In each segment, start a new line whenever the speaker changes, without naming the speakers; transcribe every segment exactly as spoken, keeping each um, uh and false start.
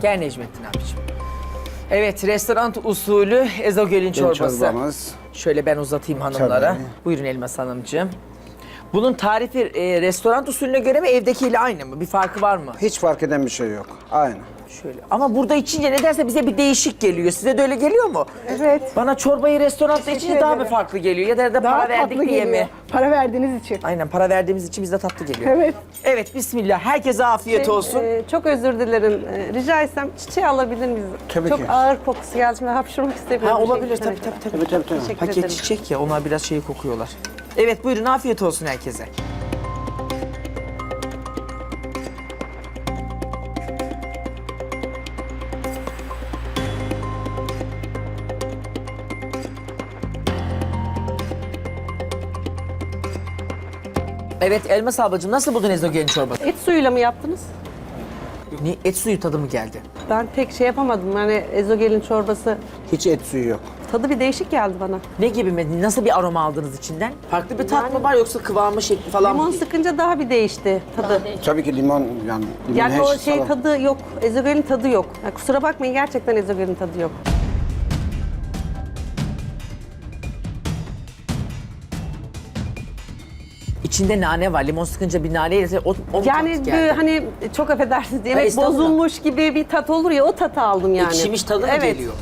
Gel Necmettin abiciğim. Evet, restoran usulü ezogelin çorbası.
Çorbamız.
Şöyle ben uzatayım hanımlara.
Tabii.
Buyurun Elmas Hanımcığım. Bunun tarifi e, restoran usulüne göre mi, evdekiyle aynı mı? Bir farkı var mı?
Hiç fark eden bir şey yok. Aynı.
Şöyle. Ama burada içince nedense bize bir değişik geliyor. Size de öyle geliyor mu?
Evet.
Bana çorbayı restoranda
Teşekkür
içince daha mı
ederim.
farklı geliyor? Ya da, da
Daha
para verdik
tatlı
diye
geliyor.
mi?
Para verdiğiniz için.
Aynen, para verdiğimiz için bize tatlı geliyor.
Evet.
Evet, bismillah. Herkese afiyet olsun.
Ee, çok özür dilerim. Ee, rica etsem çiçeği alabilir miyiz?
Tabii
çok
ki.
ağır kokusu geldi. Şimdi hapşırmak istemiyorum.
Ha, olabilir
Teşekkür
tabii
ederim.
tabii tabii.
Tabii tabii tabii.
Teşekkür
Paket
ederim.
çiçek ya, onlar biraz şey kokuyorlar. Evet, buyurun, afiyet olsun herkese. Evet, Elmas ablacığım, nasıl buldun ezogelin çorbası?
Et suyuyla mı yaptınız?
Ne, et suyu tadı mı geldi?
Ben pek şey yapamadım. Yani ezogelin çorbası
Hiç et suyu yok.
tadı bir değişik geldi bana.
Ne gibi mi? Nasıl bir aroma aldınız içinden? Farklı bir tat mı var yoksa kıvamı, şekli falan
Limon
mı?
sıkınca daha bir değişti tadı.
Tabii ki limon yani. Limon
Yani
her
o şey
salam.
tadı yok. Ezogelin tadı yok. Yani kusura bakmayın, gerçekten ezogelin tadı yok.
İçinde nane var. Limon sıkınca bir nane yese o, o
Yani
tat
bir,
geldi.
hani çok affedersiniz,
Ha,
yemek
estağfurullah.
bozulmuş gibi bir tat olur ya, o tatı aldım yani.
Ekşimiş tadı mı
Evet.
geliyor?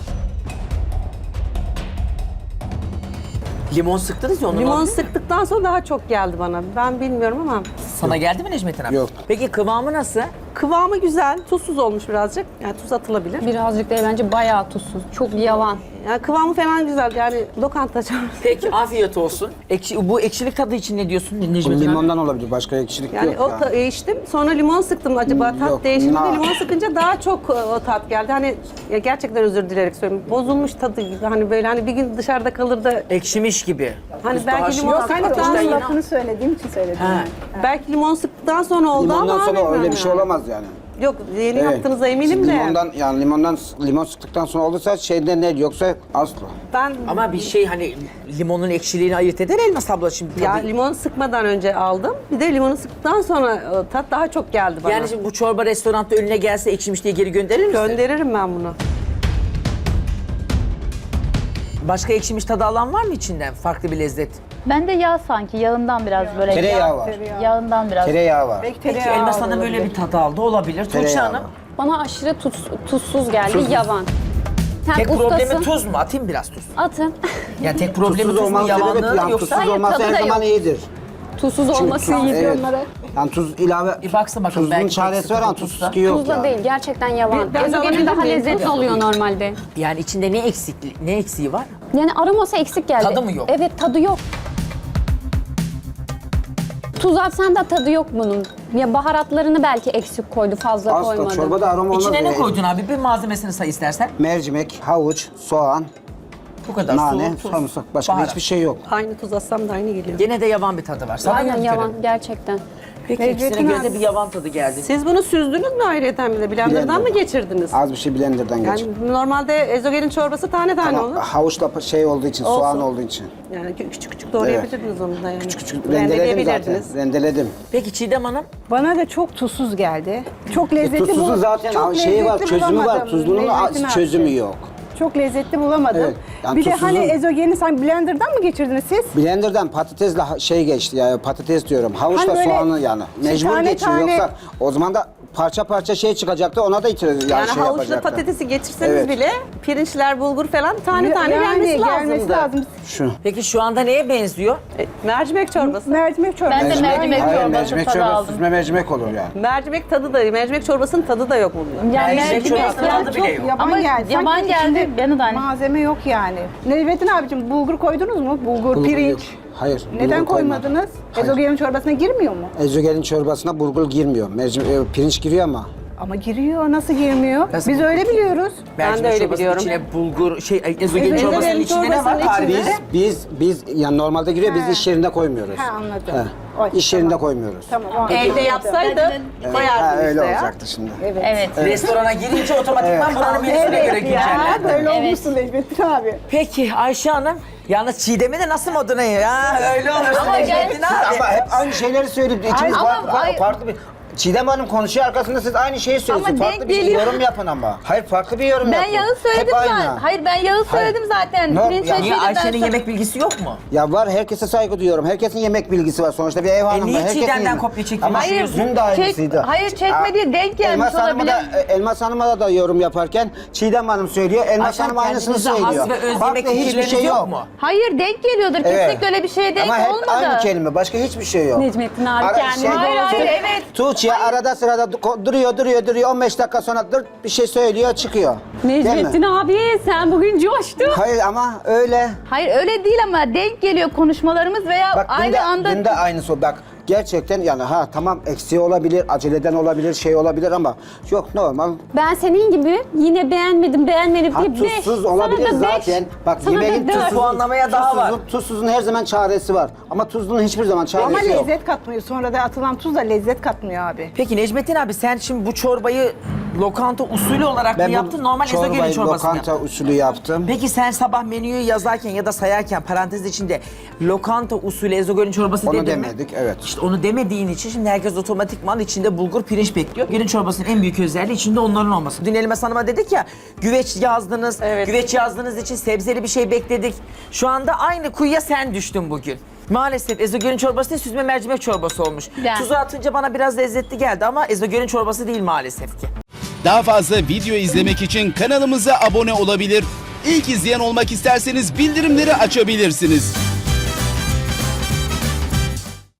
Limon sıktınız ya onun
Limon
oldu.
sıktıktan sonra daha çok geldi bana. Ben bilmiyorum ama
Sana geldi mi Necmettin abi?
Yok.
Peki kıvamı nasıl?
kıvamı güzel. Tuzsuz olmuş birazcık. Yani tuz atılabilir.
Birazcık değil, bence bayağı tuzsuz. Çok yavan.
Yani kıvamı falan güzel. Yani lokanta çorbası.
Peki afiyet olsun. Ekşi, bu ekşilik tadı için ne diyorsun Necmettin abi?
Limondan olabilir. Başka ekşilik
Yani
yok.
o
yani.
ta- içtim. Sonra limon sıktım. Acaba tat
Yok,
değişti mi?
na-
Limon sıkınca daha çok e, o tat geldi. Hani ya gerçekten özür dileyerek söylüyorum. Bozulmuş tadı gibi. Hani böyle hani bir gün dışarıda kalır da
Ekşimiş gibi.
Hani
Biz
belki
daha
limon
şimdi-
sıktıktan
Ateşten
sonra-
yine-
Lafını söylediğim için söyledim.
Ha.
yani.
belki limon sıktıktan sonra oldu
Limondan
ama
sonra
bilmiyorum
öyle bir şey
yani.
olamaz yani.
Yok, yeni
Evet.
yaptığınıza eminim
Siz
de.
Limondan yani limondan limon sıktıktan sonra olursa şeyden ne yoksa asla.
Ben
Ama bir şey hani limonun ekşiliğini ayırt eder Elmas abla şimdi. Tadı.
ya limon sıkmadan önce aldım. Bir de limonu sıktıktan sonra e, tat daha çok geldi bana.
Yani şimdi bu çorba restoranda önüne gelse ekşimiş diye geri gönderir misin?
Gönderirim ben bunu.
Başka ekşimiş tadı alan var mı içinden? Farklı bir lezzet.
Bende yağ sanki, yağından biraz böyle.
Tereyağı var.
Yağından biraz.
Tereyağı var.
Belki
Peki
tereyağı
Elmas Hanım
olabilir.
böyle bir tadı aldı olabilir. Tuğçe
Tereyağı
Hanım.
var.
Bana aşırı tuz, tuzsuz geldi, yavan. Sen
Tek
ustasın.
problemi tuz mu? Atayım biraz tuz.
Atın.
Yani tek problemi
Tuzsuz
tuz mu?
olmaz
Yalanlığı
evet.
mı
Yani
yoksa?
tuzsuz
Hayır,
olmazsa
tadı
her
da
zaman
yok.
iyidir.
Tuzsuz olması
tuz-
iyi
evet.
onlara.
Yani tuz ilave.
Bir baksın bakalım,
Tuzun
belki
çaresi
tek
var ama
sıkıntı
tuzsuz
tuzda.
ki yok
Tuzla
yani.
değil, gerçekten yavan.
Bir- ben
Ezogelin
alabilir
daha
miyim?
lezzetli oluyor normalde.
Yani içinde ne eksik, ne eksiği var?
Yani aroması eksik geldi.
Tadı mı yok?
Evet, tadı yok. Tuz atsan da tadı yok bunun. Ya baharatlarını belki eksik koydu, fazla
Asla
koymadı.
çorbada aroma olmaz.
İçine ne
yani.
koydun abi? Bir malzemesini say istersen.
Mercimek, havuç, soğan,
Bu kadar.
nane,
Su, tuz,
sarımsak. Başka
baharat.
hiçbir şey yok.
Aynı tuz atsam da aynı geliyor.
Gene de yavan bir tadı var. Sana
Aynen
göre
yavan,
mi?
gerçekten.
Peki ikisine göre de bir yavan tadı geldi.
Siz bunu süzdünüz mü ayrıyeten bile? Blender'dan
Blender'dan.
mı geçirdiniz?
Az bir şey blenderdan geç.
Yani normalde ezogelin çorbası tane tane
Ama
olur.
havuçla pa- şey olduğu için,
Olsun.
soğan olduğu için.
Yani küçük küçük doğrayabilirdiniz onu da yani.
Küçük küçük rendeledim zaten. Rendeledim.
Peki Çiğdem Hanım?
Bana da çok tuzsuz geldi. Çok
E,
lezzetli
tuzsuzun
bul-
zaten
çok
şeyi var,
lezzetli
çözümü var.
bulamadım.
Tuzlunun
Lezzetini
çözümü
arttı.
yok.
Çok lezzetli bulamadım.
Evet, yani
bir de
tuzsuzun-
hani ezogeni sanki blenderdan mı geçirdiniz siz?
Blender'dan patatesle ha- şey geçti ya patates diyorum. Havuçla
Hani böyle
soğanı yani. Mecbur
tane
geçiyor
tane-
yoksa o zaman da parça parça şey çıkacaktı ona da itiraz yani,
Yani
şey
havuçla
yapacaktı.
patatesi geçirseniz
Evet.
bile pirinçler, bulgur falan tane tane
Yani
gelmesi,
gelmesi
lazımdı.
lazım.
Şu.
Peki şu anda neye benziyor?
E, mercimek çorbası.
Mercimek çorbası.
Ben de mercimek
Hayır,
çorbası
mercimek
tadı
çorbası,
aldım.
süzme mercimek olur yani.
Mercimek tadı da, mercimek çorbasının tadı da yok bunda.
Yani
Mercimek çorbasının
yani
tadı bile yok.
Yaban
Ama
geldi.
yaban
Sanki
geldi,
içinde
beni de aynı.
Malzeme yok yani. Necmettin abicim bulgur koydunuz mu? Bulgur,
Bulgur
pirinç.
yok. Hayır.
Neden
bulgur koymadım.
koymadınız?
Hayır.
Ezogelin çorbasına girmiyor mu?
Ezogelin çorbasına bulgur girmiyor. Mercimek, e, pirinç giriyor ama.
Ama giriyor. Nasıl girmiyor?
Nasıl
Biz
bulgur
öyle biliyoruz.
Mercimek
de öyle
çorbasının
biliyorum.
içine bulgur, şey, ezogelin
Ezogelin
çorbasının içinde ne var
çorbasının
tarifi?
içinde-
Biz biz biz yani normalde giriyor biz
He.
iş yerinde koymuyoruz.
Ha, anladım.
He.
Oy,
İş
tamam.
yerinde koymuyoruz.
Tamam. o-
Evde
anladım.
yapsaydı
Ha,
bayardım
öyle
işte ya.
olacaktı şimdi.
Evet.
Evet.
Restorana girince otomatikman buranın menüsüne göre
Evet ya.
güncellendi.
Böyle
Evet.
olmuşsun Necmettin abi.
Peki Ayşe Hanım, yalnız Çiğdem'i de nasıl moduna ya? Öyle olursun
Ama
Necmettin
gel-
abi.
Ama hep aynı şeyleri söyleyip ikimiz
Ama
farklı,
ay-
farklı bir Çiğdem Hanım konuşuyor arkasında siz aynı şeyi söylüyorsunuz.
Ama
Farklı
denk
bir şey,
geliyor.
yorum yapın ama. Hayır farklı bir yorum
Ben
yapın.
yağı söyledim
Hep aynı.
zaten. Hayır ben yağı söyledim zaten.
Ne-
Pirinç
ya-
ve
Niye
şeyden
Ayşe'nin
sonra-
yemek bilgisi yok mu?
Ya var herkese saygı duyuyorum. Herkesin yemek bilgisi var. Sonuçta bir ev hanımı.
E niye
herkesin
Çiğdem'den
yemek-
kopya çektiğini
Ama
düşünüyorsun?
dün de aynısıydı.
Çek- hayır, çekme değil, denk gelmiş
Elmas Hanım'a da,
olabilir.
Elmas Hanım'a da, da yorum yaparken Çiğdem Hanım söylüyor. Elmas
Ayşe,
Hanım aynısını
kendinize has
söylüyor.
ve öz
Farklı
yemek
hiçbir
fikirleriniz
şey
yok
yok.
mu?
Hayır denk geliyordur.
Evet.
Kesinlikle öyle bir şeye denk
Ama hep
olmadı.
aynı kelime. Başka hiçbir şey yok.
Necmettin abi
Ara-
kendini...
şey-
Hayır hayır evet.
Tuğçe arada sırada du- duruyor duruyor duruyor on beş dakika sonra dur bir şey söylüyor çıkıyor. Değil mi?
Necmettin abi sen bugün coştun.
Hayır ama öyle.
Hayır öyle değil ama denk geliyor konuşmalarımız veya
Bak dün
aynı
de,
anda.
dün de aynısı. Bak gerçekten yani ha tamam eksiği olabilir, aceleden olabilir, şey olabilir ama yok normal.
Ben senin gibi yine beğenmedim beğenmedim
Ha,
diye beş.
tuzsuz olabilir
Sana da beş.
zaten. Bak
Sana da
yemeğin
dört.
tuzsuz,
Puanlamaya daha var.
tuzsuzun, tuzsuzun her zaman çaresi var. Ama tuzlunun hiçbir zaman çaresi
Ama
yok.
lezzet katmıyor. Sonra da atılan tuz da lezzet katmıyor abi.
Peki Necmettin abi sen şimdi bu çorbayı lokanta usulü olarak mı
bu
yaptın? Normal ezogelin
çorbayı
çorbası mı
lokanta
yaptın?
usulü yaptım.
Peki sen sabah menüyü yazarken ya da sayarken parantez içinde lokanta usulü ezogelin çorbası
Onu
dedin mi?
demedik, evet.
İşte onu demediğin için şimdi herkes otomatikman içinde bulgur pirinç bekliyor. Gelin çorbasının en büyük özelliği içinde onların olması. Dün Elmas Hanım'a dedik ya güveç yazdınız.
Evet.
Güveç yazdığınız için sebzeli bir şey bekledik. Şu anda aynı kuyuya sen düştün bugün. Maalesef ezogelin çorbası değil süzme mercimek çorbası olmuş.
Ben-
Tuzu atınca bana biraz lezzetli geldi ama ezogelin çorbası değil maalesef ki.
Daha fazla video izlemek için kanalımıza abone olabilir. İlk izleyen olmak isterseniz bildirimleri açabilirsiniz.